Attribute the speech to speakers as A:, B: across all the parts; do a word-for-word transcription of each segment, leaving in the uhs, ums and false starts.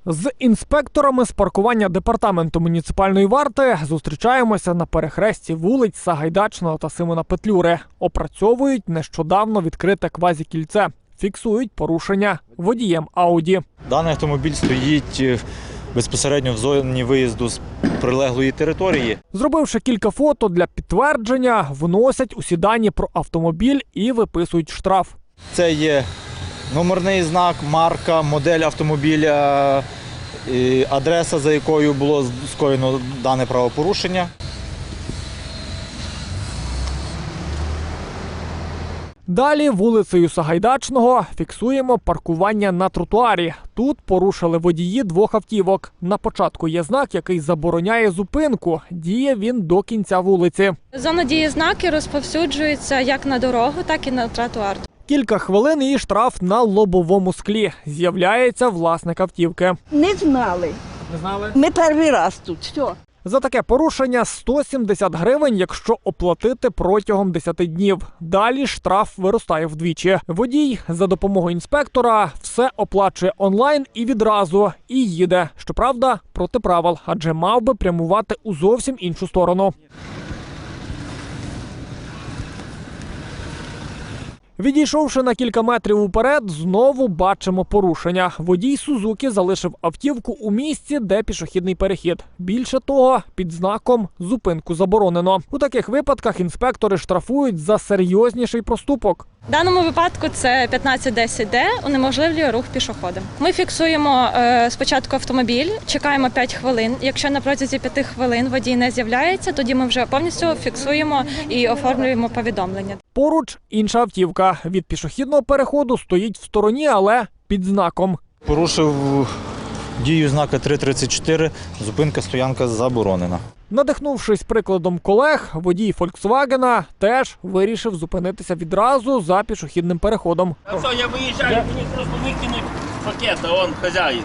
A: З інспекторами з паркування департаменту муніципальної варти зустрічаємося на перехресті вулиць Сагайдачного та Симона Петлюри. Опрацьовують нещодавно відкрите квазікільце. Фіксують порушення водієм Ауді.
B: Даний автомобіль стоїть безпосередньо в зоні виїзду з прилеглої території.
A: Зробивши кілька фото для підтвердження, вносять усі дані про автомобіль і виписують штраф.
B: Це є номерний знак, марка, модель автомобіля, адреса, за якою було скоєно дане правопорушення.
A: Далі вулицею Сагайдачного фіксуємо паркування на тротуарі. Тут порушили водії двох автівок. На початку є знак, який забороняє зупинку. Діє він до кінця вулиці.
C: Зона дії знаки розповсюджується як на дорогу, так і на тротуар.
A: Кілька хвилин і штраф на лобовому склі. З'являється власник автівки.
D: Не знали.
A: Не знали?
D: Ми перший раз тут. Все.
A: За таке порушення сто сімдесят гривень, якщо оплатити протягом десяти днів. Далі штраф виростає вдвічі. Водій за допомогою інспектора все оплачує онлайн і відразу. І їде. Щоправда, проти правил, адже мав би прямувати у зовсім іншу сторону. Відійшовши на кілька метрів уперед, знову бачимо порушення. Водій Сузуки залишив автівку у місці, де пішохідний перехід. Більше того, під знаком «Зупинку заборонено». У таких випадках інспектори штрафують за серйозніший проступок.
C: В даному випадку це п'ятнадцять десять де унеможливлює рух пішоходам. Ми фіксуємо е, спочатку автомобіль, чекаємо п'ять хвилин. Якщо на протязі п'яти хвилин водій не з'являється, тоді ми вже повністю фіксуємо і оформлюємо повідомлення.
A: Поруч інша автівка. Від пішохідного переходу стоїть в стороні, але під знаком.
B: Порушив дію знака три тридцять чотири, зупинка, стоянка заборонена.
A: Надихнувшись прикладом колег, водій «Фольксвагена» теж вирішив зупинитися відразу за пішохідним переходом.
E: А все, я виїжджаю, мені просто викинуть пакет, а он хазяїн.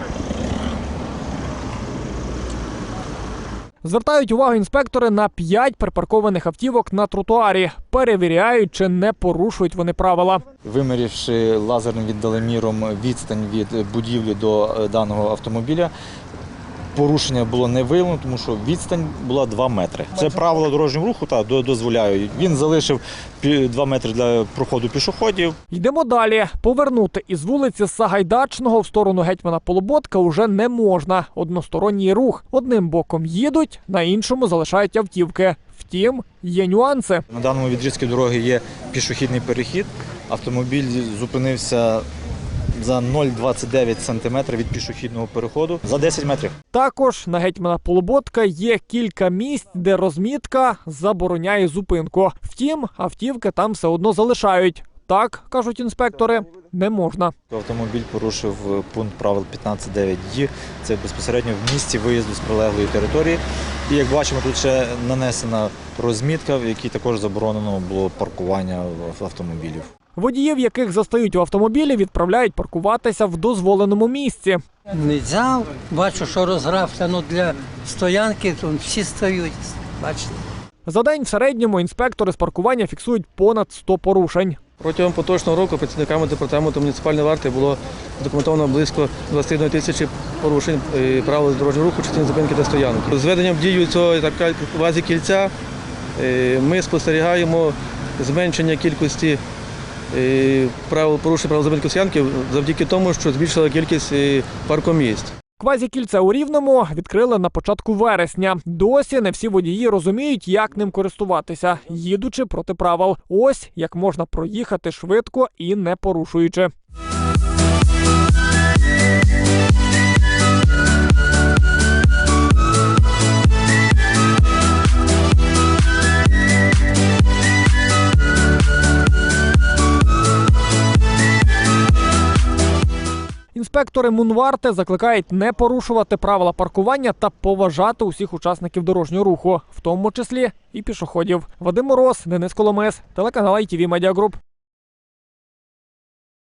A: Звертають увагу інспектори на п'ять припаркованих автівок на тротуарі. Перевіряють, чи не порушують вони правила.
B: Вимірявши лазерним віддаленоміром відстань від будівлі до даного автомобіля, порушення було не виявлено, тому що відстань була два метри. Це правила дорожнього руху та дозволяють. Він залишив два метри для проходу пішоходів.
A: Йдемо далі. Повернути із вулиці Сагайдачного в сторону гетьмана Полуботка уже не можна. Односторонній рух. Одним боком їдуть, на іншому залишають автівки. Втім, є нюанси.
B: На даному відрізку дороги є пішохідний перехід. Автомобіль зупинився за нуль цілих двадцять дев'ять сантиметрів від пішохідного переходу за десять метрів.
A: Також на гетьмана Полуботка є кілька місць, де розмітка забороняє зупинку. Втім, автівки там все одно залишають. Так, кажуть інспектори, не можна.
B: Автомобіль порушив пункт правил п'ятнадцять дев'ять де, це безпосередньо в місці виїзду з прилеглої території. І як бачимо, тут ще нанесена розмітка, в якій також заборонено було паркування автомобілів.
A: Водіїв, яких застають у автомобілі, відправляють паркуватися в дозволеному місці.
F: Не взяв, бачу, що розграфлено для стоянки, то всі стають, бачите.
A: За день в середньому інспектори з паркування фіксують понад сто порушень.
G: Протягом поточного року працівниками департаменту муніципальної варти було задокументовано близько двадцять однієї тисячі порушень правил дорожнього руху, частини зупинки та стоянок. З введенням в дію цього квазікільця ми спостерігаємо зменшення кількості правил порушень правил зупинки стоянки завдяки тому, що збільшила кількість паркомісць.
A: Квазікільце у Рівному відкрили на початку вересня. Досі не всі водії розуміють, як ним користуватися, їдучи проти правил. Ось як можна проїхати швидко і не порушуючи. Інспектори Мунварти закликають не порушувати правила паркування та поважати усіх учасників дорожнього руху, в тому числі і пішоходів. Вадим Мороз, Денис Коломис, телеканал ай ті ві Медіа Груп.